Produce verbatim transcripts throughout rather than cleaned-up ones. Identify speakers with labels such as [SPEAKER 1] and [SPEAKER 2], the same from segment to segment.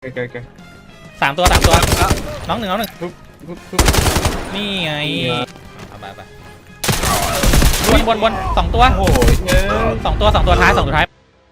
[SPEAKER 1] ไกล
[SPEAKER 2] สามตัวสามตัวน้องหนึ่งน้องหนึ่งนี่ไงเอาไปไปวนวนวนสองตัวโอ้โหสองตัวสองตัวท้ายสองตัวท้าย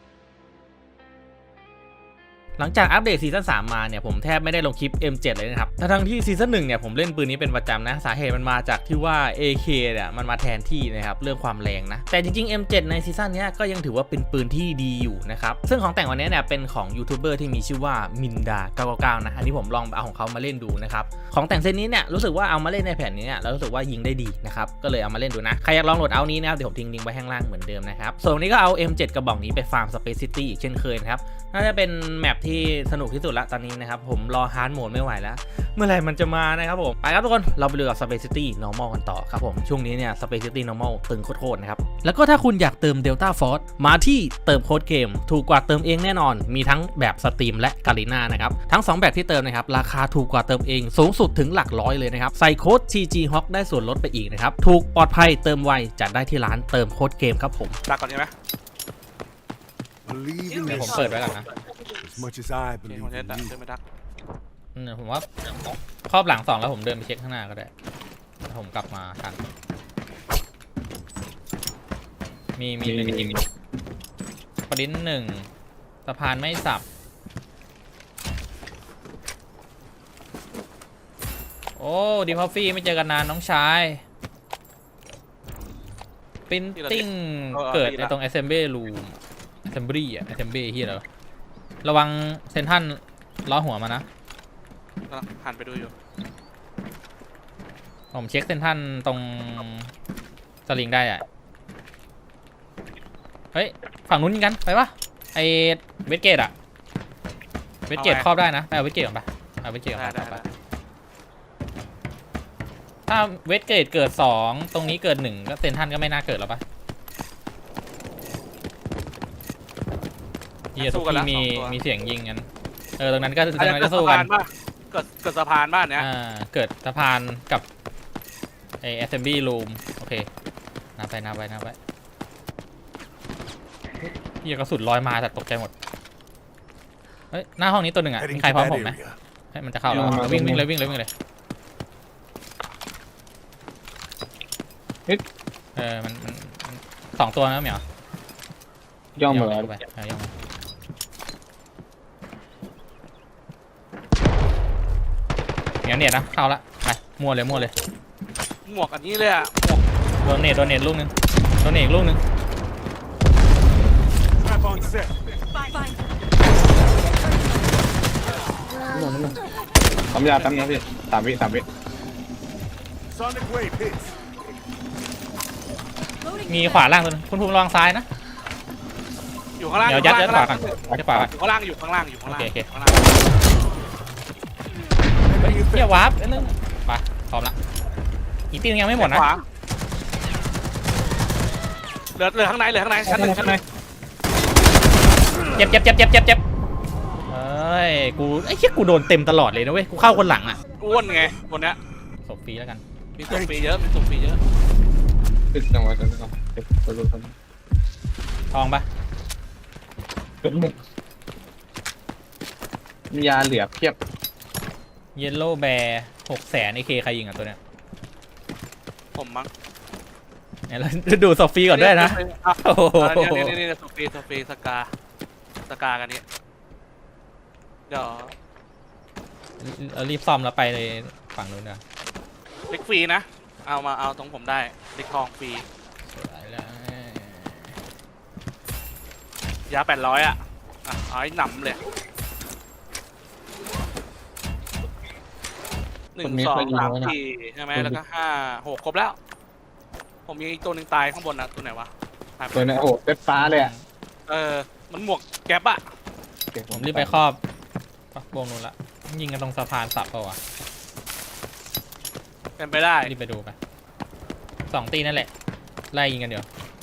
[SPEAKER 2] หลังจากอัปเดตซีซั่นสามมาเนี่ยผมแทบไม่ได้ลงคลิป เอ็ม เจ็ด เลยนะครับทั้งที่ซีซั่นหนึ่งเนี่ยผมเล่นปืนนี้เป็นประจำนะสาเหตุมันมาจากที่ว่า เอ เค เนี่ยมันมาแทนที่นะครับเรื่องความแรงนะแต่จริงๆ เอ็ม เจ็ด ในซีซั่นนี้ก็ยังถือว่าเป็นปืนที่ดีอยู่นะครับซึ่งของแต่งวันนี้เนี่ยเป็นของยูทูบเบอร์ที่มีชื่อว่ามินดาเก้าเก้าเก้านะอันนี้ผมลองเอาของเขามาเล่นดูนะครับของแต่งเซตนี้เนี่ยรู้สึกว่าเอามาเล่นในแผ่นนี้เนี่ยแล้วรู้สึกว่ายิงได้ดีนะครับก็เลยเอามาเล่นดูนะใครอยากลองโหลดเอานี้นะครับเดี๋ยวผมทิ้งลิงก์ไว้ข้างล่างเหมือนเดิมนะครับส่วนวันนี้ก็เอา เอ็ม เจ็ด กระบอกนี้ไปฟาร์ม Space City อีกเช่นเคยนะครับน่าจะเป็นแมปที่สนุกที่สุดละตอนนี้นะครับผมรอฮาร์ดโหมดไม่ไหวแล้วเมื่อไหร่มันจะมานะครับผมไปครับทุกคนเราไปดูกับ Space City Normal กันต่อครับผมช่วงนี้เนี่ย Space City Normal ตึงโคตรๆนะครับแล้วก็ถ้าคุณอยากเติม Delta Force มาที่เติมโค้ดเกมถูกกว่าเติมเองแน่นอนมีทั้งแบบสตรีมและกาลิน่านะครับทั้งสองแบบที่เติมนะครับราคาถูกกว่าเติมเองสูงสุดถึงหลักร้อยเลยนะครับใส่โค้ด ที จี ฮอค ได้ส่วนลดไปอีกนะครับถูกปลอดภัยเติมไวจัดได้ที่ร้านเติมโค้ดเกมครับผม
[SPEAKER 3] ดักก่อนใช่ไหม
[SPEAKER 2] เดี๋ยวผมเปิดไว้ก่อนนะ
[SPEAKER 4] As much as I
[SPEAKER 3] เดิน
[SPEAKER 4] believe
[SPEAKER 3] คนเดิน
[SPEAKER 4] in
[SPEAKER 3] ดัก
[SPEAKER 4] you.
[SPEAKER 3] เดินไม่ดัก
[SPEAKER 2] เนี่ยผมว่าครอบหลังสองแล้วผมเดินไปเช็คข้างหน้าก็ได้ผมกลับมาทันมีมีหนึ่งปริ้นหนึ่งสะพานไม่สับโอ้ดีพอฟฟี่ไม่เจอกันนานน้องชายปริ้นติ้งเกิดในตรง assembly room assembly อะ assembly ที่เหรอระวังเซนทันล้อหัวมานะ
[SPEAKER 3] หันไปดูอยู่
[SPEAKER 2] ผมเช็คเซนทันตรงสลิงได้อะเฮ้ยฝั่งนู้นยิงกันไปปะไอเวสเกตอะเวสเกตครอบได้นะไปเอาเวสเกตก่อนไปเอาเวสเกตก่อนไปถ้าเวสเกตเกิดสองตรงนี้เกิดหนึ่งก็เซนทันก็ไม่น่าเกิดแล้วปะเฮียทุกที่มีมีเสียงยิงกันเออตรงนั้นก็ตรงนั้นก็สู้กัน
[SPEAKER 3] เกิดเกิดสะพานบ้านเนี้ย
[SPEAKER 2] อ่าเกิดสะพานกับไอ assembly room โอเคนับไปนับไปนับไปเฮียกระสุนลอยมาแต่ตกใจหมดเฮ้ยหน้าห้องนี้ตัวหนึ่งอ่ะมีใครพร้อมผมไหมให้มันจะเข้าแล้ววิ่งวิ่งเลยวิ่งเลยวิ่งเลยเออมันมันสองตัวนะเหมียว
[SPEAKER 1] ย่องมาแล้ว
[SPEAKER 2] ไปย่องเหนียวเน็ตนะเข้าละไปมั่วเลยมั่วเลย
[SPEAKER 3] หมวกอันนี้เลยอ่ะหมวก
[SPEAKER 2] โดนเน็ตโดนเน็ตลูกนึงโดนเน็ตอีกลูกนึง
[SPEAKER 1] ทำยาตั้งนะพี่สามวิสามวิ
[SPEAKER 2] มีขวาล่างตัวนึงคุณภูมิระวังซ้ายนะ
[SPEAKER 3] อยู่ข้างล่าง
[SPEAKER 2] เดี๋ยวยัดยัดขวากันยัดขวากัน
[SPEAKER 3] อยู่ข้างล่างอยู่ข้างล่างอยู่ข้างล่าง
[SPEAKER 2] โอเค
[SPEAKER 3] ข้างล่าง
[SPEAKER 2] เฮียวาร์ปนิดนึงไปพร้อมละอีกตีนึงยังไม่หมดนะ
[SPEAKER 3] เหลือเหลือข้างในเหลือข้างในชั้นหนึ่งชั้นหนึ่ง
[SPEAKER 2] เจ็บเจ็บเจ็บเจ็บเจ็บเจ็บเฮ้ยกูไอ้เชี่ยกูโดนเต็มตลอดเลยนะเว้ยกูเข้าคนหลังอ่ะ
[SPEAKER 3] อ้วนไงคนเนี้ย
[SPEAKER 2] ศพฟรีแล้วกัน
[SPEAKER 3] มีศพฟรีเยอะมีศพฟรีเยอะ
[SPEAKER 1] ติดจังหวะกันก่อนเด็กตัวรู้ท
[SPEAKER 2] ทองปะ
[SPEAKER 1] เป็นหนึ่งมียาเหลือเพียบ
[SPEAKER 2] เยลโล่แบร์หกแสนไอเคใครยิงอ่ะตัวเนี้ย
[SPEAKER 3] ผมมั้ง
[SPEAKER 2] เนี่ยเราดูศพฟรีก่อนด้วยนะ
[SPEAKER 3] โอ้โหนี่นี่นี่ศพฟรีศพฟรีสกาสกากันนี้เดี๋ยว
[SPEAKER 2] เรารีบซ่อมแล้วไปในฝั่งนู้นนะ
[SPEAKER 3] เล็กฟรีนะเอามาเอาตรงผมได้เล็กทองฟรียาแปดร้อยอ่ะอ่ะเอาให้หนำเลยหนึ่งสองสามสี่ใช่ไหมแล้วก็ห้าหกครบแล้วผมมีอีกตัวหนึ่งตายข้างบนนะตัวไหนวะ
[SPEAKER 1] ตัวนี้โอ้เต็ดฟ้าเลยอ่ะ
[SPEAKER 3] เออมันหมวกแก๊ปอะ
[SPEAKER 2] ผมรีบไปครอบวงนู้นละยิงกันตรงสะพานสับเปล่าวะ
[SPEAKER 3] เป็นไปได้
[SPEAKER 2] รีบไปดูไปสองตีนั่นแหละไล่ยิงกันเดี๋ยว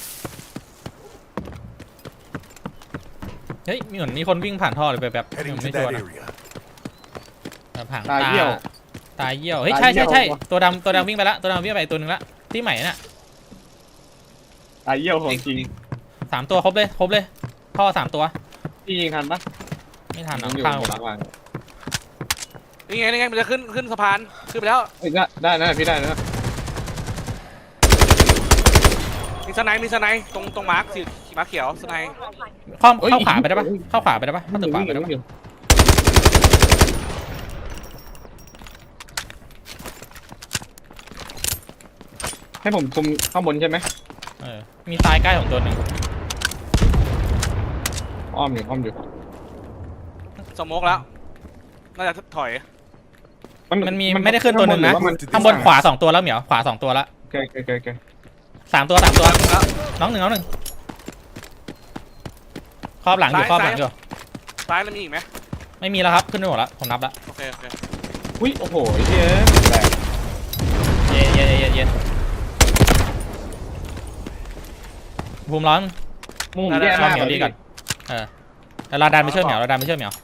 [SPEAKER 2] เฮ้ยมีเหมือนมีคนวิ่งผ่านท่อเลยไปแบบไม่ชัวร์นะผ่านตาตาเยี่ยวเฮ้ยใช่ใช่ใช่ตัวดำตัวดำวิ่งไปละตัวดำวิ่งไปตัวหนึ่งละที่ใหม่น่ะ
[SPEAKER 1] ตาเยี่ยวของจริง
[SPEAKER 2] สามตัวครบเลยครบเลยท่อสามตัว
[SPEAKER 1] พี่ยิงทันปะ
[SPEAKER 2] ไม่ทันหรอกข้างหมด
[SPEAKER 3] นี่ไงนี่ไงมันจะขึ้นขึ้นสะพานขึ้นไปแล้ว
[SPEAKER 1] เอ้ยได้ได้นะพี่ได้นะ
[SPEAKER 3] มีสไนด์มีสไนด์ตรงตรงมาร์คสีมาร์คเขียวสไนด์
[SPEAKER 2] เข้าเข้าขวาไปได้ปะเข้าขวาไปได้ปะเข้าตึกขวาไปได้ปะ
[SPEAKER 1] ให้ผมคุมข้างบนใช่ไหม
[SPEAKER 2] เออมีซ้ายใกล้ของตัวหนึ่ง
[SPEAKER 1] อ้อมอยู่อ้อมอยู่
[SPEAKER 3] สโมกแล้วน่าจะถอย
[SPEAKER 2] มันมีไม่ได้ขึ้นตัวหนึ่งนะ
[SPEAKER 1] ข้างบ
[SPEAKER 2] ข้างบนขวาสองตัวแล้วเหมียวขวาสองตัวละ
[SPEAKER 1] โอเคโอเคโอเคโอเค
[SPEAKER 2] สามตัวสามตัว
[SPEAKER 3] แล้ว
[SPEAKER 2] น้องหนึ่งน้องหนึ่งครอบหลังอยู่ครอบหลังอยู่
[SPEAKER 3] ซ้ายแล้วมีอีกไหม
[SPEAKER 2] ไม่มีแล้วครับขึ้นไปหมดแล้วผมนับแล้ว
[SPEAKER 3] โอเคโอเค
[SPEAKER 1] อุ้ยโอ้โหไอ้เหี้ยแรง
[SPEAKER 2] เย็นเย็นเย็นเย็นภูมิร้อน
[SPEAKER 1] มุมแย่
[SPEAKER 2] ช่วย
[SPEAKER 1] มาก
[SPEAKER 2] เหมียวดีก่อนเออแล้วเราดันไปช่วยเหมียวเราดันไปช่วยเหมียว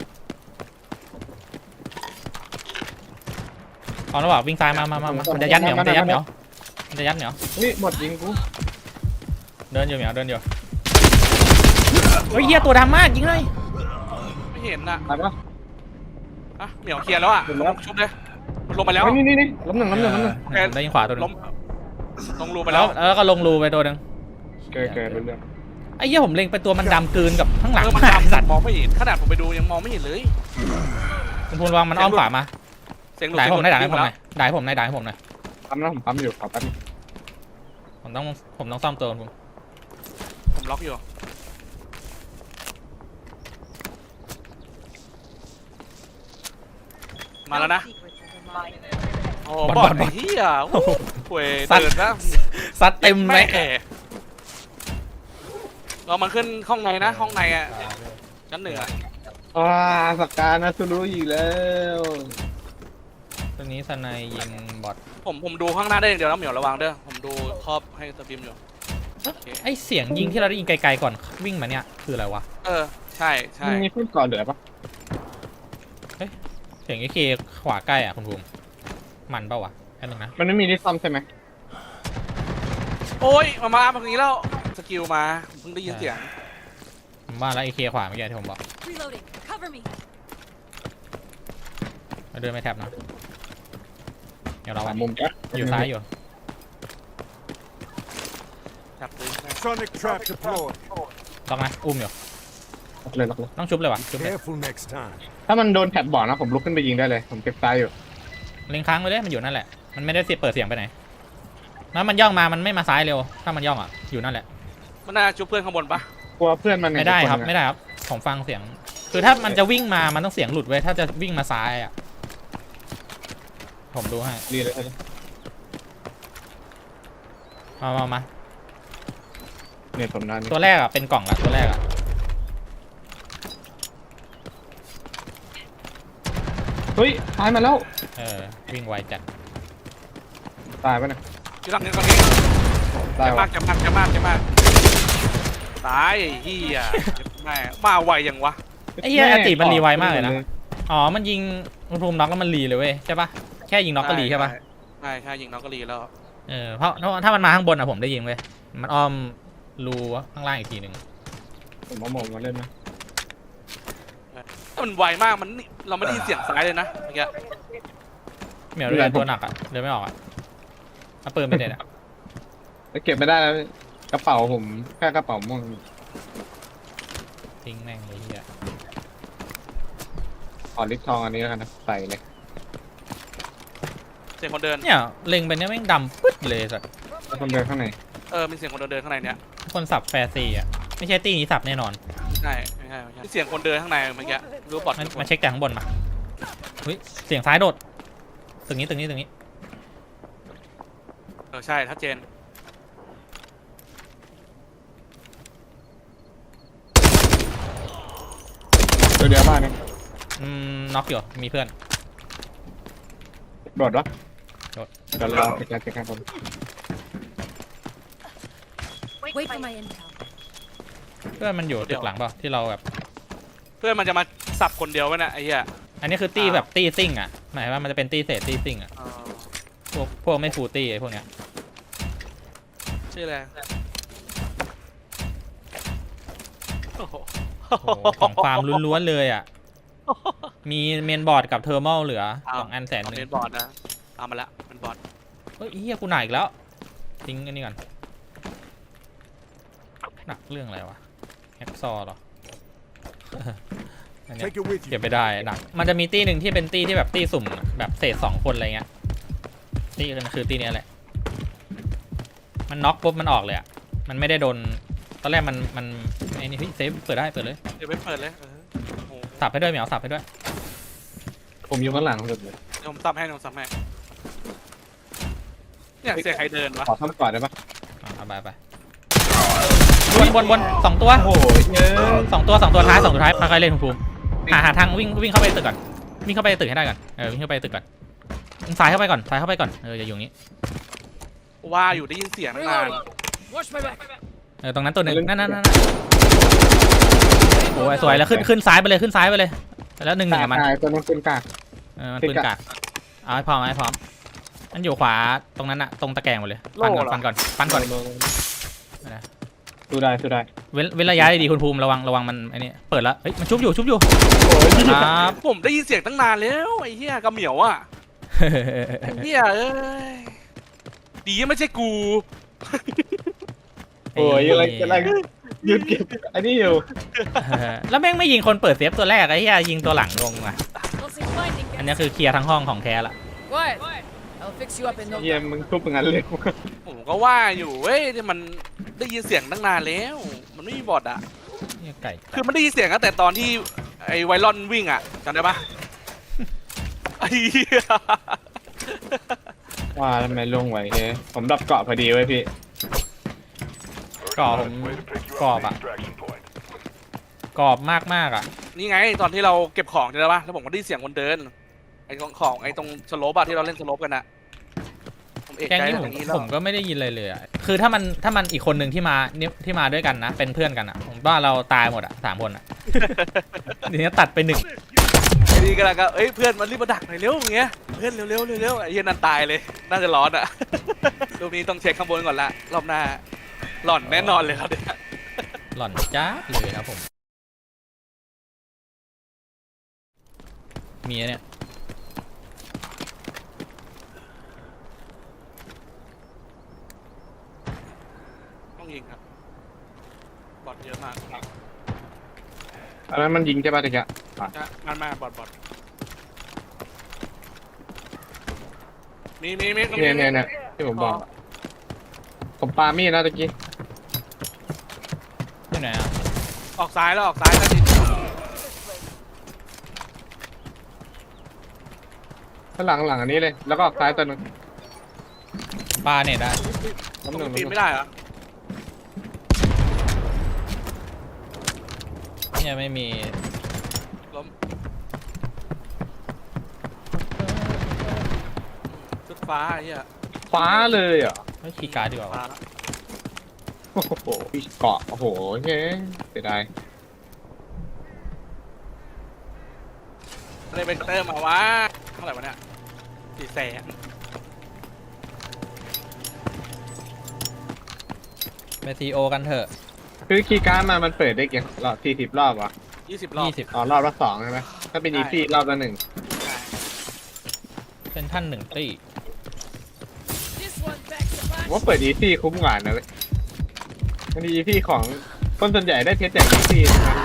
[SPEAKER 2] เอาแล้วบอกวิ่งซ้ายมามามามามันจะยัดเหมียวมันจะยัดเหมียวมันจะยัดเหมียว
[SPEAKER 1] อุ้ยหมดยิงกู
[SPEAKER 2] เดินอยู่เหมียวเดินอยู่เฮ้ยเหี้ยตัวดำมากยิงเลย
[SPEAKER 3] ไม่เห็นอ่ะ
[SPEAKER 1] ตายปะ
[SPEAKER 3] อ่ะเหมียวเคลียร์แล้วอ่ะ
[SPEAKER 1] เห็นแล้ว
[SPEAKER 3] ชุบเลยมันลงไปแล้ว
[SPEAKER 1] เฮ้ยนี่นี่นี่ล้มหนึ่งล้มหนึ่งล้มหนึ่ง
[SPEAKER 2] เออได้ยิงขวาตัวหนึง
[SPEAKER 3] ล้มลงรูไป
[SPEAKER 2] แล้
[SPEAKER 3] แล้ว ว
[SPEAKER 2] แล้วก็ลงรูไปตัวหนึง
[SPEAKER 1] เกิดเกิดเป็นเรื่อง
[SPEAKER 2] ไอ้เหี้ยผมเล็งไปตัวมันดำกลืนกับข้างหลัง
[SPEAKER 3] เออมัน
[SPEAKER 2] มาก
[SPEAKER 3] ดำ
[SPEAKER 2] สัตว์
[SPEAKER 3] มองไม่เห็นขนาดผมไปดูยังมองไม่เห็นเลย
[SPEAKER 2] คุณพูนวางมันอ้อมขวามา
[SPEAKER 3] เสียงหลุด
[SPEAKER 2] ด่าย
[SPEAKER 3] เสียง
[SPEAKER 2] ผ
[SPEAKER 3] ห
[SPEAKER 2] ม
[SPEAKER 3] ลุด
[SPEAKER 2] ได้ด่ายให้
[SPEAKER 3] วิ่
[SPEAKER 2] ผม
[SPEAKER 3] ง
[SPEAKER 2] หน่อยด่ายให้ผมหน่อยด่ายให้ผมหน่อย
[SPEAKER 1] ปั๊มนะผมปั๊มอยู่ขอแป๊บนึง
[SPEAKER 2] ผมต้องผมต้องซ่อมตัวคุณ
[SPEAKER 3] ผมล็อกอยู่มาแล้วนะโอ้บอดไอ้เหี้ยโอ้โหเว้ยเดินนะ
[SPEAKER 2] ซัดเต็มไหม
[SPEAKER 3] แเรามันขึ้นห้องในนะห้องในอ่ะชั้นหนึ่งอ่ะ
[SPEAKER 1] อ่าสกการนะสุรุอีกแล้ว
[SPEAKER 2] ตัวนี้สไนยิงบอท
[SPEAKER 3] ผมผมดูข้างหน้าได้อย่างเดียวนะเหมียวระวังเด้อผมดูครอบให้สตรีมอยู่โอเค
[SPEAKER 2] ไอเสียงยิงที่เราได้ยินไกลๆก่อนวิ่งมาเนี่ยคืออะไรวะ
[SPEAKER 3] เออใช่ใช่
[SPEAKER 1] มันมีขึ้นก่อนเหลือปะ
[SPEAKER 2] เสียงไอเคขวาใกล้อ่ะคุณภูมิมันเปล่าวะแค่นึงนะ
[SPEAKER 1] มันไม่มีที่ซ่อมใช่ไหม
[SPEAKER 3] โอ้ยมามาแบบนี้แล้วสกิลมาเพิ่งได้ยินเสียง
[SPEAKER 2] ผมว่าแล้วไอเคขวาเมื่อกี้ที่ผมบอก
[SPEAKER 4] Reloading. Cover me.
[SPEAKER 2] เราเดินไม่แท็บนะเดี๋ยวเรา
[SPEAKER 1] สามมุมจ้ะ
[SPEAKER 2] อยู่ซ้ายอยู่
[SPEAKER 3] จับปืน
[SPEAKER 5] Sonic trap deployed.
[SPEAKER 2] ล็อกนะอุ้มอยู่
[SPEAKER 1] ล็อกเลยล็อกเลย
[SPEAKER 2] ต้องชุบเลยวะชุบเลย
[SPEAKER 5] Careful next time.
[SPEAKER 1] ถ้ามันโดนแท็บบอกนะผมลุกขึ้นไปยิงได้เลยผมเก็บซ้ายอยู่
[SPEAKER 2] เล็งค้างไว้เลยมันอยู่นั่นแหละมันไม่ได้เสียเปิดเสียงไปไหนแล้วมันย่องมามันไม่มาซ้ายเร็วถ้ามันย่องอ่ะอยู่นั่นแหละ
[SPEAKER 3] มันน่าจุบเพื่อนข้างบนปะ
[SPEAKER 1] กลัวเพื่อนมัน
[SPEAKER 2] ไม่ได้ครับไม่ได้ครับผมฟังเสียง คือถ้ามันจะวิ่งมามันต้องเสียงหลุดไว้ยถ้าจะวิ่งมาซ้ายอ่ะผมดูให้
[SPEAKER 1] ดีเลย
[SPEAKER 2] มามามา
[SPEAKER 1] เนี่ยผมนั่น
[SPEAKER 2] ตัวแรกอ่ะเป็นกล่องละตัวแรกอ่ะ
[SPEAKER 1] เฮ้ยตายมาแล้ว
[SPEAKER 2] เออวิ่งไวจัด
[SPEAKER 1] ตายปะเนี่ย
[SPEAKER 3] อยู่หลังนี้ตรงนี้
[SPEAKER 1] ตาย
[SPEAKER 3] จะ
[SPEAKER 1] วะ
[SPEAKER 3] มากจะมากจะมากจะมากตายไอ้เหี้ยแม่มาไวยังวะ
[SPEAKER 2] ไอ้เหี้ยอติมันรีไวมากเลยนะอ๋อมันยิงมันภูมิน็อกแล้วมันรีเลยเว้ยใช่ปะแค่ยิงน็อกก็รีใช่ปะ
[SPEAKER 3] ใช่ใช่ยิงน็อกก็รีแล้ว
[SPEAKER 2] เออเพราะเพราะถ้ามันมาข้างบนอ่ะผมได้ยิงเว้ยมันอ้อมรูข้างล่างอีกทีหนึ่ง
[SPEAKER 1] ผมเอาหมองมาเล่นนะ
[SPEAKER 3] มันไวมากมันเราไม่ได้ยินเสียงซ้ายเลยนะเมื่อกี้
[SPEAKER 2] เหมียวเรือตัวหนักอ่ะเรือไม่ออกอ่ะเอาปืนไปเด็ดอ่ะ
[SPEAKER 1] แล้วเก็บไม่ได้แล้วกระเป๋าผมแค่กระเป๋าม่วง
[SPEAKER 2] ทิ้งแม่งเลยเฮีย
[SPEAKER 1] ขอลิปทองอันนี้แล้วกันนะใส่เลย
[SPEAKER 3] เสียงคนเดิน
[SPEAKER 2] เนี่ยเล็งไปเนี่ยแม่งดำปึ๊ดเลยสัตว์
[SPEAKER 1] แล้วคนเดินข้างใน
[SPEAKER 3] เออมีเสียงคนเดินข้างในเนี้ย
[SPEAKER 2] คนสับแฟร์ซีอ่ะไม่ใช่ตีนี้สับแน่นอน
[SPEAKER 3] ใช่ไม่ใช่ไม่ใช่เสียงคนเดินข้างในเมื่อกี้รู้บอด
[SPEAKER 2] มันมาเช็คจากข้างบนมาเฮ้ยเสียงซ้ายโดดตึงนี้ตึงนี้ตึงนี้
[SPEAKER 3] เออใช่ชัดเจน
[SPEAKER 1] ตัวเดียวบ้านเนี่ย
[SPEAKER 2] อืมน็อกอยู่มีเพื่อน
[SPEAKER 1] โดดวะ
[SPEAKER 2] โดด
[SPEAKER 1] เดี๋ยวรอไปการจัดการผม
[SPEAKER 4] Wait for my intel.
[SPEAKER 2] เพื่อนมันอยู่ตึกหลังเปล่าที่เราแบบ
[SPEAKER 3] เพื่อนมันจะมาสับคนเดียวไว้น่ะไอ้เหี้ย
[SPEAKER 2] อันนี้คือตีแบบตีซิ่งอ่ะหมายว่ามันจะเป็นตีเศษตีซิ่งอ่ะ
[SPEAKER 3] เออ
[SPEAKER 2] พวกพวกไม่ฟูลตีไอ้พวกเนี้ย
[SPEAKER 3] ชื่ออะไรโอ้โห
[SPEAKER 2] โอ้โหของฟาร์มล้วนๆเลยอ่ะ
[SPEAKER 3] โอ้โห
[SPEAKER 2] มีเมนบอร์ดกับเทอร์มอลเหลือสองอันแสนห
[SPEAKER 3] เอา
[SPEAKER 2] นึ่
[SPEAKER 3] เป็น
[SPEAKER 2] ง
[SPEAKER 3] บอร์ดนะเอามาละเป็นบอร์ด
[SPEAKER 2] เฮ้ยเฮียกูหนักอีกแล้วทิ้งอันนี้ก่อนหนักเรื่องอะไรวะแฮกซอว์เหรอ อันเนี้ย
[SPEAKER 5] Take it with
[SPEAKER 2] เก็บ
[SPEAKER 5] you.
[SPEAKER 2] ไปได้หนักมันจะมีตี้หนึ่งที่เป็นตี้ที่แบบตี้สุ่มแบบเศษสองคนอะไรเงี้ยตี้กันคือตี้เนี้ยแหละมันน็อกปุ๊บมันออกเลยอ่ะมันไม่ได้โดนตอนแรกมันมันไอ้นี่เฮ้ยเซฟเปิดได้เปิดเลย
[SPEAKER 3] เดี๋ยวไปเปิดเลยเออโอ้โห
[SPEAKER 2] สับให้ด้วยเหมียวสับให้ด้วย
[SPEAKER 1] ผมอยู่ข้างหลังสุดเลย
[SPEAKER 3] เดี๋ยวผมซับให้เดี๋ยวผมซับให้เนี่ยเสียงใครเดินวะ
[SPEAKER 1] ขอทำก่อนได้ปะ
[SPEAKER 2] อ่ะเอาไปไปบนบนบนสองตัว
[SPEAKER 1] โอ้โหเยอะ
[SPEAKER 2] สองตัวสองตัวท้ายสองตัวท้ายค่อยๆเล่นคุณภูมิหาหาทางวิ่งวิ่งเข้าไปในตึกก่อนวิ่งเข้าไปในตึกให้ได้ก่อนเออวิ่งเข้าไปในตึกก่อนสายเข้าไปก่อนสายเข้าไปก่อนเอออย่าอยู่อย่างนี้
[SPEAKER 3] ว่าอยู่ได้ยินเสียงนาน
[SPEAKER 4] Watch my back.
[SPEAKER 2] เออตรงนั้นตัวหนึ่งนั่นนั่นนั่นโอ้ยสวยแล้วขึ้นขึ้นซ้ายไปเลยขึ้นซ้ายไปเลยแล้วหนึ่งหนึ่ง
[SPEAKER 1] กา
[SPEAKER 2] กับมัน
[SPEAKER 1] กายตัวนั้นเป็นกาก
[SPEAKER 2] เออมันปืนกากเอาให้พร้อมเอาให้พร้อมมันอยู่ขวาตรงนั้นอะตรงตะแกรงหมดเลยปันก่อนปันก่อนปันก่อน
[SPEAKER 1] ดูได้ดูได้
[SPEAKER 2] เว้นเว้นระยะดีๆคุณภูมิระวังระวังมันไอ้นี่เปิดแล้วเฮ้ยมันชุบอยู่ชุบอยู่
[SPEAKER 1] โอ้ย
[SPEAKER 2] ครับ
[SPEAKER 3] ผมได้ยินเสียงตั้งนานแล้วไอ้เหี้ยกระเหมียวอ่ะไอ้เหี้ยเอ้ยดีไม่ใช่กู
[SPEAKER 1] โอ้ยอะไรอะไรยืนเก็บอันนี้อยู่
[SPEAKER 2] แล้วแม่งไม่ยิงคนเปิดเซฟตัวแรกไอ้เหี้ยยิงตัวหลังลงอ่ะ
[SPEAKER 4] Closing blinding.
[SPEAKER 2] อันนี้คือเคลียร์ทั้งห้องของแท้ละ
[SPEAKER 4] Quiet. I'll fix you up in no
[SPEAKER 1] เยี่ยม
[SPEAKER 4] time.
[SPEAKER 1] มึงทุบอย่างนั้นเลย
[SPEAKER 3] ผมก็ว่าอยู่เว้ยที่มันได้ยินเสียงตั้งนานแล้ว มันไม่มีบอทอ่ะ
[SPEAKER 2] เนี่ยไก่
[SPEAKER 3] คือมันได้ยินเสียงตั้งแต่ตอนที่ไอ้ไวรอนวิ่งอ่ะจำได้ปะไอ้เหี้ย
[SPEAKER 1] ว่าทำไมลงไหวเฮ้ยผมดับเกาะพอดีไว้พี่
[SPEAKER 2] กรอบผมกรอบอ่ะกรอบมากมากๆอ่ะ
[SPEAKER 3] นี่ไงตอนที่เราเก็บของจำได้ปะแล้วผมก็ได้ยินเสียงคนเดินไอ้ของของไอ้ตรงสโลปอะที่เราเล่นสโลปกันอะผมเอก
[SPEAKER 2] แกง
[SPEAKER 3] ใจ
[SPEAKER 2] นี้
[SPEAKER 3] แบ
[SPEAKER 2] ผม
[SPEAKER 3] บนี้แล้ว
[SPEAKER 2] ผมก็ไม่ได้ยินเลยเลยอ่ะคือถ้ามันถ้ามันอีกคนหนึ่งที่มาเนี่ยที่มาด้วยกันนะ เป็นเพื่อนกันอ่ะผมว่าเราตายหมดอ่ะสามคนอ่ะ ทีนี้ตัดไปหนึ่ง
[SPEAKER 3] ไอ้นี่ก็แล้วก็เอ้ยเพื่อนมันรีบมาดักหน่อยเร็วอย่างเงี้ยเพื่อนเร็วเร็วเร็วไอ้เหี้ยนั่นตายเลยน่าจะร้อนอะ รูปนี้ต้องเช็คข้างบนก่อนละรอบหน้าหล่อนแน่นอนเลยครับเนี่ย
[SPEAKER 2] หล่อนจ้าเลยครับผมมีอันเนี่ย
[SPEAKER 3] ต้องยิงครับบอทเยอะมาก
[SPEAKER 1] อันนั้นมันยิงใช่ป่ะตะกี้
[SPEAKER 3] จะมันมาบอทบอทมีมีมีตรง
[SPEAKER 1] เนี่ย
[SPEAKER 3] นี้
[SPEAKER 1] เนี่ยเนี่ยที่ผมบอกอะผมปามีดนะตะกี้
[SPEAKER 2] ที่ไหนอ่ะ
[SPEAKER 3] ออกซ้ายแล้วออกซ้ายแล้วดิ
[SPEAKER 1] ข้างหลังหลังอันนี้เลยแล้วก็ออกซ้ายตัวหนึง
[SPEAKER 2] ปลาเนี่ยได้
[SPEAKER 3] ตรง
[SPEAKER 1] น้ำหนึ่ง
[SPEAKER 3] นี้ปีนไม่ได้เหรอ
[SPEAKER 2] เนี่ยไม่มี
[SPEAKER 3] ล้มชุดฟ้าไอ้เหี้ย
[SPEAKER 1] ฟ้าเลยเหรอ
[SPEAKER 2] ไม่คีย์การ์ดดีกว่า
[SPEAKER 3] ฟ้าว
[SPEAKER 2] ะ
[SPEAKER 1] โอ้โหเกาะโอ้โหเฮ้ยเสียดาย
[SPEAKER 3] อะไรเป็นเตอร์มาวะเท่าไหร่วะเนี่ยสี่แสน
[SPEAKER 2] ไปซีโอกันเถอะ
[SPEAKER 1] คือคีย์การ์ดมามันเปิดได้กี่รอบสี่สิบรอบวะ
[SPEAKER 3] ยี่สิบรอบ
[SPEAKER 2] ยี่สิบ
[SPEAKER 1] อ๋อรอบละสองใช่ไหมถ้าเป็นอีซี่รอบละหนึ่ง
[SPEAKER 2] เป็นท่านหนึ่งตี้
[SPEAKER 4] This one backs the
[SPEAKER 1] ผม
[SPEAKER 4] punch.
[SPEAKER 1] ว่าเปิดอีซี่คุ้มกว่านะเว้ยมันอีซี่ของคนส่วนใหญ่ได้เพชรจากอีซี่ทั้งนั้นเลย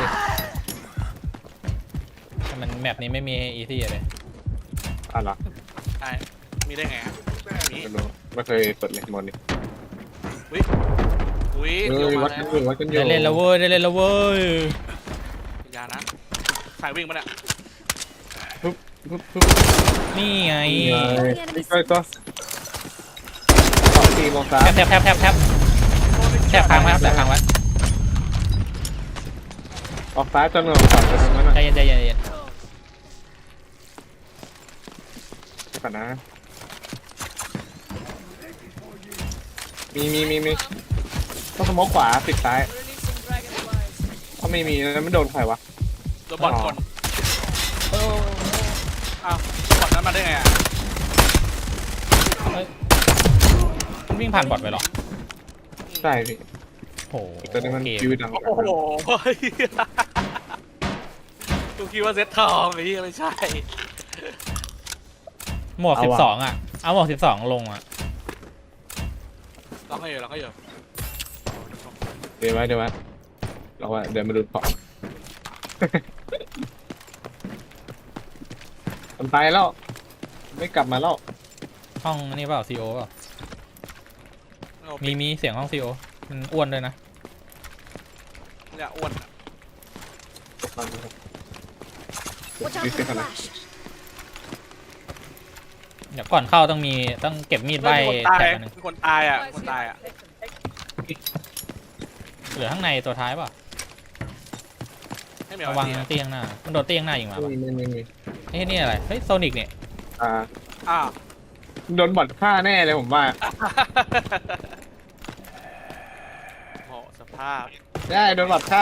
[SPEAKER 2] แต่มันแมปนี้ไม่มีอีซี่เลย
[SPEAKER 1] อ๋อเหรอ
[SPEAKER 3] ใช่มีได้ไงอะมี
[SPEAKER 1] ไม่รู้ไม่เคยเปิดเลยหมดนี่
[SPEAKER 3] อุ้ยอุ้ย
[SPEAKER 1] เฮ้
[SPEAKER 3] เดี๋ยวย มา
[SPEAKER 1] วัด
[SPEAKER 3] แล้
[SPEAKER 1] กัน
[SPEAKER 3] ว
[SPEAKER 1] อยู่วัดกันอยู่
[SPEAKER 2] ได้เล่นแล้วเว้ยได้เล่นแล้วเว้ย
[SPEAKER 3] อย่านะสายวิ่งมาเนี่ย
[SPEAKER 1] ปุ๊บปุ๊บปุ๊บ
[SPEAKER 2] นี่ไง
[SPEAKER 1] นี่ไงนี่ก็ก็สองทีมองซ้า
[SPEAKER 2] แทบแทบแทบแทบแทบแทบค้างไว้ครับแทบค้างไว้
[SPEAKER 1] ออกซ้ายจนออกขวาจนตรงนั้น
[SPEAKER 2] ใจ
[SPEAKER 1] น่ะ
[SPEAKER 2] เย็นใจเย็นใจเย็น
[SPEAKER 1] ก่อนนะมีมีมีมีต้องสโมกขวาปิดซ้าย
[SPEAKER 4] Releasing dragonflies.
[SPEAKER 1] ถ้าไม่มีแล้วไม่โดนใครวะ
[SPEAKER 3] โดนบอลคนอ้าวบอลนั้นมาได้ไงอะ
[SPEAKER 2] เฮ้ยมันวิ่งผ่านบอทไปหรอ
[SPEAKER 1] ใช่พี่
[SPEAKER 2] โอ้โห
[SPEAKER 1] ตัวนี้มัน
[SPEAKER 2] เกม
[SPEAKER 1] คิวดังกว่า
[SPEAKER 3] โอ้โหดูคิดว่าเซตทองไอ้เหี้ยไม่ใช่
[SPEAKER 2] หมวกสิบสองอ่ะเอาหมวกสิบสองลงอ่ะ
[SPEAKER 3] ลองให้อยู่ลองให้อยู่
[SPEAKER 1] เดี๋ยวไว้เดี๋ยวไว้เราว่าเดี๋ยวมาดูของ มันไปแล้ว ไม่กลับมาแล้ว
[SPEAKER 2] ห้องนี่เปล่าซีโอเปล่ามีมีเสียงห้องซีโอมันอ้วนด้วยนะ
[SPEAKER 3] เนี่ยอ้วนอะ
[SPEAKER 4] Watch out for the flash.
[SPEAKER 2] เดี๋ยวก่อนเข้าต้องมีต้องเก็บมีดใบ
[SPEAKER 3] มีคนตาย
[SPEAKER 2] แถบอันหนึง
[SPEAKER 3] มีคนตายอ่ะมีคนตายอ่ะ
[SPEAKER 2] เหลือข้างในตัวท้ายเปล่า
[SPEAKER 3] ให้เหมียว
[SPEAKER 2] ระวัง
[SPEAKER 3] ทีนะ
[SPEAKER 2] เตียงหน้ามันโดนเตียงหน้ายิงมา
[SPEAKER 1] ไม่
[SPEAKER 2] ป่ะ
[SPEAKER 1] มีไม่มีไม่มี
[SPEAKER 2] เฮ้ยนี่อะไรเฮ้ยโซนิกเนี่ย
[SPEAKER 1] อ่า
[SPEAKER 3] อ้าว
[SPEAKER 1] โดนบอดฆ่าแน่เลยผมว่า
[SPEAKER 3] โอ้สภาพ
[SPEAKER 1] ได้โดนบอดฆ่า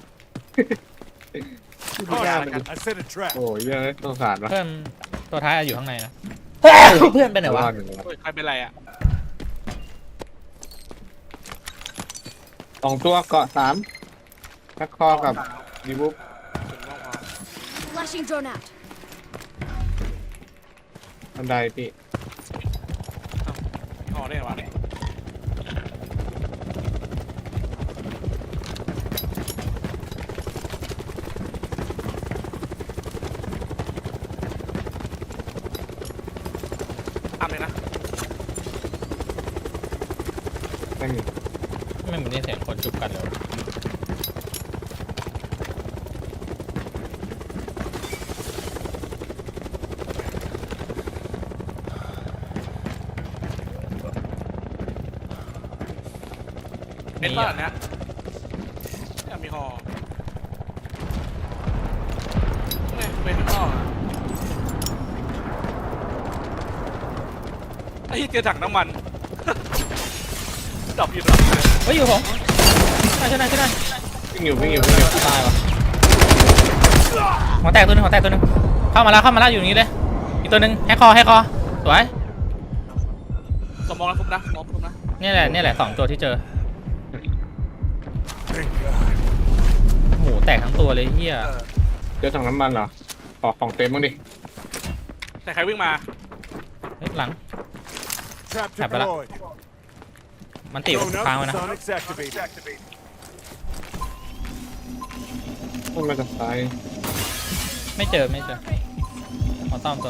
[SPEAKER 3] ไม่ได้แล้วกัน
[SPEAKER 5] I set a trap.
[SPEAKER 1] โอ้ยเยอะสงสารวะ
[SPEAKER 2] เพื่อนตัวท้ายอยู่ข้างในนะ เพื่อนไปไหนวะ
[SPEAKER 1] รอดอยู่แล้ว
[SPEAKER 3] โอ้ยใครเป็นไรอ่ะ
[SPEAKER 1] สองตัวเกาะสามทักคอกับดีบุ๊บ
[SPEAKER 3] ถึงต้องเอา
[SPEAKER 4] Flashing drone out.
[SPEAKER 1] บันไดพี่
[SPEAKER 3] อ๋อได้เหรอวะเนี่ยทำเลยนะ
[SPEAKER 1] ไม่มี
[SPEAKER 2] ไม่เหมือนได้เสียงคนจุบกันเลย
[SPEAKER 3] เป็นบ้านเนี้ยเนี่ยมีหอเนี่ยเป็นข้างนอกอะไอ้เหี้ยเจอถังน้ำมัน ดับอยู่ดับอยู่เลย
[SPEAKER 2] เฮ้ยอยู่ผมใช่ใช่ใช่ใช่
[SPEAKER 1] วิ่งอยู่วิ่งอยู่วิ่งอยู่
[SPEAKER 2] ตายวะหัวแตกตัวหนึงหัวแตกตัวหนึงเข้ามาแล้วเข้ามาแล้วอยู่อย่างนี้เลยอีกตัวหนึงแฮกคอแฮกคอสวย
[SPEAKER 3] สมองแล้วทุบนะสมองทุบนะ
[SPEAKER 2] นี่แหละนี่แหละสองตัวที่เจอ
[SPEAKER 5] Thank God.
[SPEAKER 2] หมูแตกทั้งตัวเลยเฮีย
[SPEAKER 1] เจอถังน้ำมันเหรอขอของเต็มบ้างดิ
[SPEAKER 3] แต่ใครวิ่งมา
[SPEAKER 2] เฮ้ยหลัง
[SPEAKER 5] Trap
[SPEAKER 2] Tap it up.
[SPEAKER 5] deployed.
[SPEAKER 2] มันติด
[SPEAKER 5] Drone
[SPEAKER 2] ค้าง
[SPEAKER 5] up.
[SPEAKER 2] ไว้นะ
[SPEAKER 5] Sonics activated.
[SPEAKER 1] มันมาจากซ้าย
[SPEAKER 2] ไม่เจอไม่เจอขอซ่อมตัว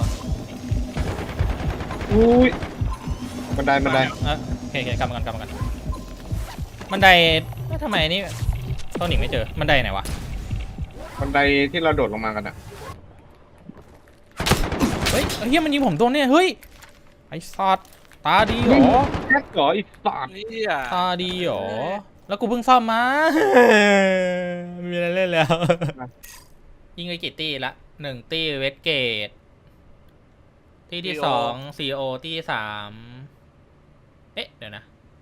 [SPEAKER 1] อุ้ยบันไดบันได
[SPEAKER 2] เออโอเคโอเคกลับมากันกลับมากันบันไดเอ๊ะทำไมอันนี่ต้นหนิงไม่เจอบันไดไหนวะ
[SPEAKER 1] บันไดที่เราโดดลงมากันอะ
[SPEAKER 2] เฮ้ยเฮียมันยิงผมตัวเนี่ยเฮ้ยไอ้สัตว์ตาดีเหรอ
[SPEAKER 1] แค่ก่ออีกสาม
[SPEAKER 3] นี่อ่ะ
[SPEAKER 2] ตาดีเหรอ แล้วกูเพิ่งซ่อมมา ไม่มีอะไรเล่นแล้ว ยิงไปกี่ตีละหนึ่งตีเวสเกต ตีที่สองซีโอตีที่สามเอ๊ะ เดี๋ยวนะ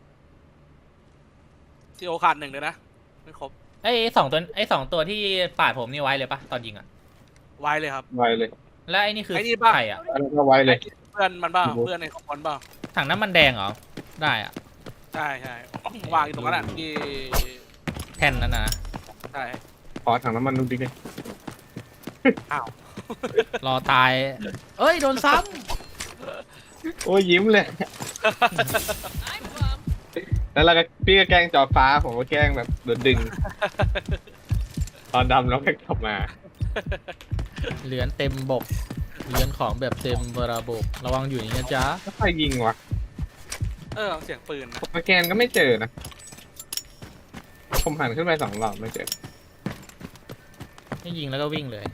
[SPEAKER 3] ซีโอขาดหนึ่งเลยนะไม่ครบ
[SPEAKER 2] ไอ้สองตัวไอ้สองตัวที่ปาดผมนี่ไว้เลยปะตอนยิงอะ
[SPEAKER 3] ไวเลยครับ
[SPEAKER 1] ไวเลย
[SPEAKER 2] แล้วไอ้นี่คือ
[SPEAKER 3] ไอ้นี่ปะ
[SPEAKER 2] ใครอะ
[SPEAKER 1] แล้วก็ไวเลย
[SPEAKER 3] เพื่อนมันบ้าเพื่อนในคอมมอนบ้า
[SPEAKER 2] ถังน้ำมันแดงเหรอ ได้อะ
[SPEAKER 3] ใช่ใช่วางอยู่ตรงนั้นอ่ะที่
[SPEAKER 2] แท่นนั้นนะ
[SPEAKER 3] ใช่
[SPEAKER 1] ขอถังน้ำมันดูดิเลย
[SPEAKER 3] อ้าว
[SPEAKER 2] รอตาย เอ้ย โดนซ้
[SPEAKER 1] โอ้ยยิ้มเลย
[SPEAKER 4] I'm bummed.
[SPEAKER 1] แล้วเราก็พี่ก็แกล้งจอฟ้าผมก็แกล้งแบบโดนดึง ตอนดำแล้วก็กลับมา
[SPEAKER 2] ำเหลือนเต็มบกเหลือนของแบบเต็มระบบ ระวังอยู่อย่างนี้นะจ๊ะ
[SPEAKER 1] แล้วใครยิงวะ
[SPEAKER 3] เออเสียงปืนนะ
[SPEAKER 1] ผมสแกนก็ไม่เจอนะ ผมหันขึ้นไปสองรอบไม่เจอ
[SPEAKER 2] ให้ยิงแล้วก็วิ่งเลย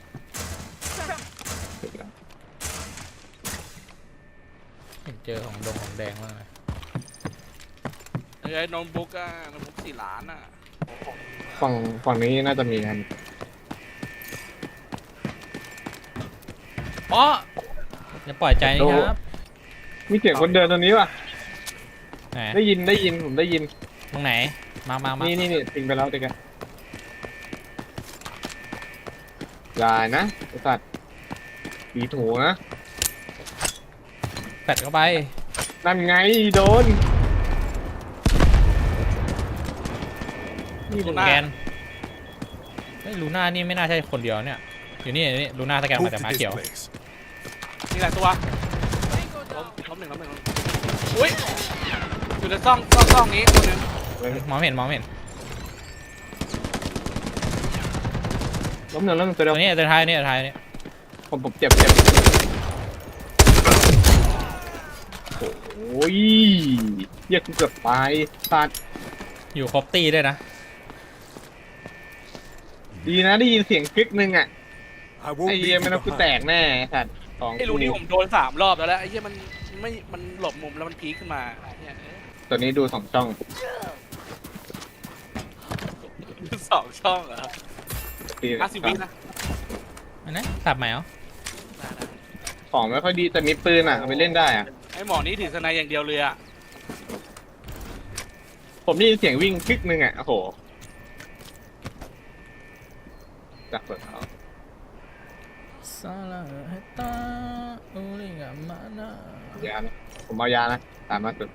[SPEAKER 2] เห็นเจอของดงของแดงมากเลย
[SPEAKER 3] ไอ้โน้ตบุ๊กอ่ะโน้ตบุ๊กสี่ล้านอ่ะ
[SPEAKER 1] ฝั่งฝั่งนี้น่าจะมีอัน
[SPEAKER 2] อ๋ออย่าปล่อยใจนะครับ
[SPEAKER 1] มีเสียงคนเดินตรงนี้ว่ะ
[SPEAKER 2] ไหน
[SPEAKER 1] ได้ยินได้ยินผมได้ยิน
[SPEAKER 2] ตรงไหน มามามา
[SPEAKER 1] นี่นี่นี่ทิ้งไปแล้วเด็กอะอย่านะไอ้สัตว์ผีถูนะ
[SPEAKER 2] แปดเข้าไป
[SPEAKER 1] นั่นไงโดน
[SPEAKER 3] นี่
[SPEAKER 2] ลู
[SPEAKER 3] ดูหน้า
[SPEAKER 2] แกนเฮ้ยลูน่านี่ไม่น่าใช่คนเดียวเนี่ยอยู่นี่อยู่นี่ลูน่าสแกน
[SPEAKER 5] Move
[SPEAKER 2] มาจาก
[SPEAKER 5] to
[SPEAKER 2] ม้า
[SPEAKER 5] this
[SPEAKER 2] เขียว
[SPEAKER 5] place.
[SPEAKER 3] มีหลายตัวล้มล้มหนึ่งล้มหนึ่งล้มหนึ่งอุ้ยอยู่ในซ่องซ่องซ่องนี้ตัวหนึง
[SPEAKER 2] มองไม่เห็นมองไม่เห็น
[SPEAKER 1] ล้มหนึ่งล้มหนึ่งตัวเดียว
[SPEAKER 2] ตัวนี้ตัวท้ายนี่ตัวท้ายนี่
[SPEAKER 1] ผมผมเจ็บเจ็บโอ้ยเหี้ยกูเกือบตายสัตว์
[SPEAKER 2] อยู่ครบตีด้วยนะ
[SPEAKER 1] ดีนะได้ยินเสียงคลิกนึงอ่ะ
[SPEAKER 5] I won't
[SPEAKER 1] ไอ้
[SPEAKER 5] leave
[SPEAKER 1] เหี้ย
[SPEAKER 5] you
[SPEAKER 1] ไม่ต้องกูแต
[SPEAKER 5] behind.
[SPEAKER 1] กแน่สัตว์สอง
[SPEAKER 3] ไอ้รูนี้ผมโดนสามรอบแล้วแหละไอ้เหี้ยมันไม่มันหลบมุมแล้วมันพีคขึ้นมาเนี่ย
[SPEAKER 1] ตัวนี้ดูสองช่อง
[SPEAKER 3] สองช่องเหรอ
[SPEAKER 1] ตี
[SPEAKER 3] ห้าสิบวินะ
[SPEAKER 2] อันนั้นสับใหม่เหรอ
[SPEAKER 1] ของไม่ค่อยดีแต่มีปืนอ่ะเอาไปเล่นได้อ่ะ
[SPEAKER 3] ไอ้หมอนี้ถือสไนอย่างเดียวเลยอะ
[SPEAKER 1] ผมได้ยินเสียงวิ่งคลิกนึงอ่ะโอ้โหจับเปิดเขา
[SPEAKER 2] ซาลาเฮตาอูริกามานะ
[SPEAKER 1] ยานะผมเอายานะตามมาสุด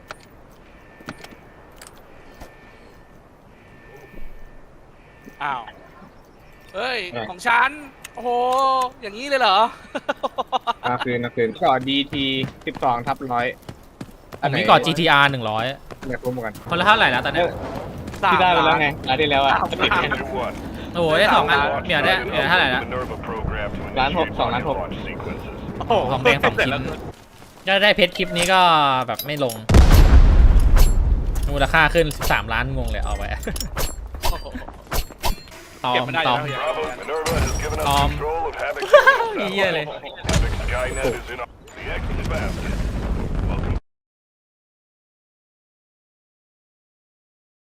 [SPEAKER 3] อ้าวเฮ้ยของฉันโอ้โหอย่างนี้เลยเหรอ
[SPEAKER 1] มาคืนมาคืนก่อดีทีสิบสองทับร้อย
[SPEAKER 2] ผมมีก่อน จี ที อาร์ หนึ่งร้อย
[SPEAKER 1] เนี่ยคุ้มกัน
[SPEAKER 2] คนละเท่าไหร่แล้วตอนเนี้ย
[SPEAKER 3] สาม
[SPEAKER 1] ที่ได้ไปแล้ว
[SPEAKER 3] ล้าน
[SPEAKER 1] ไงร้านที่แล้วอ่ะ
[SPEAKER 3] สาม
[SPEAKER 1] ติด
[SPEAKER 3] ล้าน
[SPEAKER 1] ไง
[SPEAKER 5] Sector one.
[SPEAKER 2] โอ้โหได้สองอันเหมียวได้เหมียวเท่าไหร่แล้ว
[SPEAKER 5] Minerva program to
[SPEAKER 1] Lan hộp,
[SPEAKER 5] initiate
[SPEAKER 1] sòng lan
[SPEAKER 5] rocket
[SPEAKER 1] hộp.
[SPEAKER 5] launch sequences.
[SPEAKER 3] โอ้โห
[SPEAKER 2] ของแดงสองชิ้นก็ได้เพชรคลิปนี้ก็แบบไม่ลง มูลค่าขึ้นสามล้านงงเลยเอาไป
[SPEAKER 3] โอ้โห
[SPEAKER 2] ตอ
[SPEAKER 3] เก็บ
[SPEAKER 2] ม
[SPEAKER 3] ไม่ได้
[SPEAKER 2] ตอม
[SPEAKER 3] แล้ว
[SPEAKER 5] Bravo, Minerva has given us
[SPEAKER 2] Um,
[SPEAKER 5] control of Havoc's
[SPEAKER 2] Iya
[SPEAKER 5] satellite.
[SPEAKER 2] leh.
[SPEAKER 5] Havoc Skynet is in our... The exit is fast.